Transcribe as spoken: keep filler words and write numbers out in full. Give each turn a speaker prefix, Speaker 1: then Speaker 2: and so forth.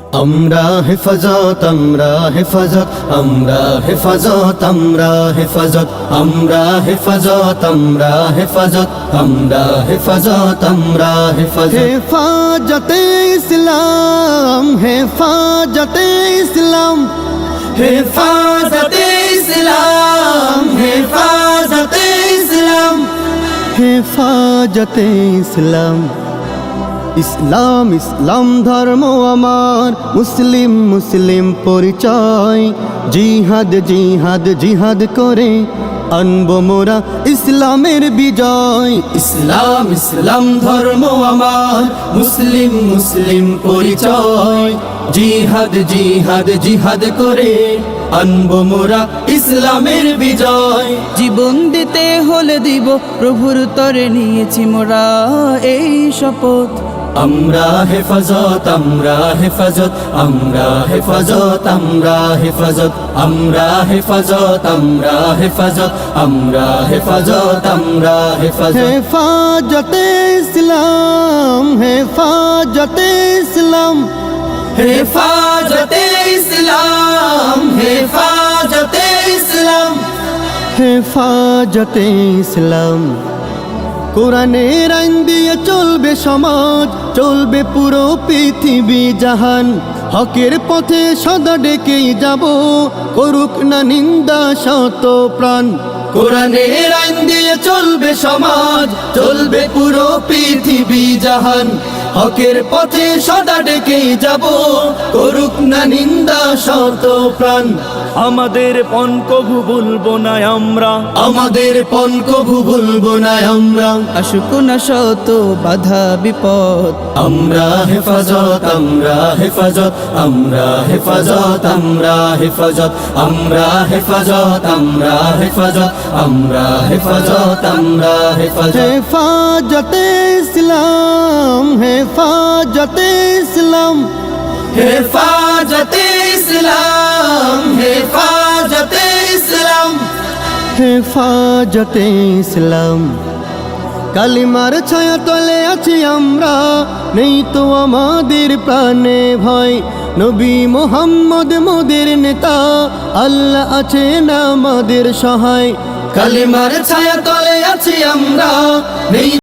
Speaker 1: আমরা হেফাজত আমরা হেফাজত আমরা হেফাজত আমরা হেফাজত আমরা হেফাজত আমরা হেফাজত আমরা হেফাজত আমরা হেফাজত হেফাজতে ইসলাম হেফাজতে ইসলাম হেফাজতে ইসলাম হেফাজতে ইসলাম হেফাজতে ইসলাম ইসলাম ইসলাম ধর্ম আমার মুসলিম মুসলিম পরিচয় জিহাদ জিহাদ জিহাদ করে আনবো মোরা ইসলামের বিজয় ইসলাম ইসলাম ধর্ম আমার মুসলিম মুসলিম পরিচয় জিহাদ জিহাদ জিহাদ করে আনবো মোরা ইসলামের বিজয়
Speaker 2: জীবন দিতে হলে দিব প্রভুর তরে নিয়েছি মোরা এই শপথ
Speaker 1: আমরা হেফাজত আমরা হেফাজত আমরা হেফাজত আমরা হেফাজত আমরা হেফাজত আমরা হেফাজত আমরা হেফাজত আমরা হেফাজত হেফাজতে ইসলাম হেফাজতে ইসলাম হেফাজতে ইসলাম হেফাজতে ইসলাম হেফাজতে ইসলাম কোরআনের আইন দিয়ে চলবে সমাজ চলবে পুরো পৃথিবী জাহান হকের পথে সদা ডেকেই যাব করুক না নিন্দা শত প্রাণ কোরআনের আইন দিয়ে চলবে সমাজ চলবে পুরো পৃথিবী জাহান হকের পথে সদা ডেকেই যাব করুক না নিন্দা শত প্রাণ
Speaker 3: আমাদের পণ কভু ভুলবো না আমরা
Speaker 1: আমাদের পণ কভু ভুলবো না আমরা
Speaker 2: আসুক না শত বাধা বিপদ
Speaker 1: আমরা হেফাজত আমরা হেফাজত আমরা হেফাজত আমরা হেফাজত আমরা হেফাজত আমরা হেফাজত আমরা হেফাজত আমরা হেফাজত হেফাজতে ইসলাম হেফাজতে ইসলাম হেফাজতে ইসলাম হেফাজতে ইসলাম হেফাজতে ইসলাম কালিমার ছায়া তলে আছি আমরা নেই তো আমাদের প্রাণে ভয় নবী মোহাম্মদ মোদের নেতা আল্লাহ আছেন আমাদের সহায় কালিমার ছায়া তলে আছি আমরা নেই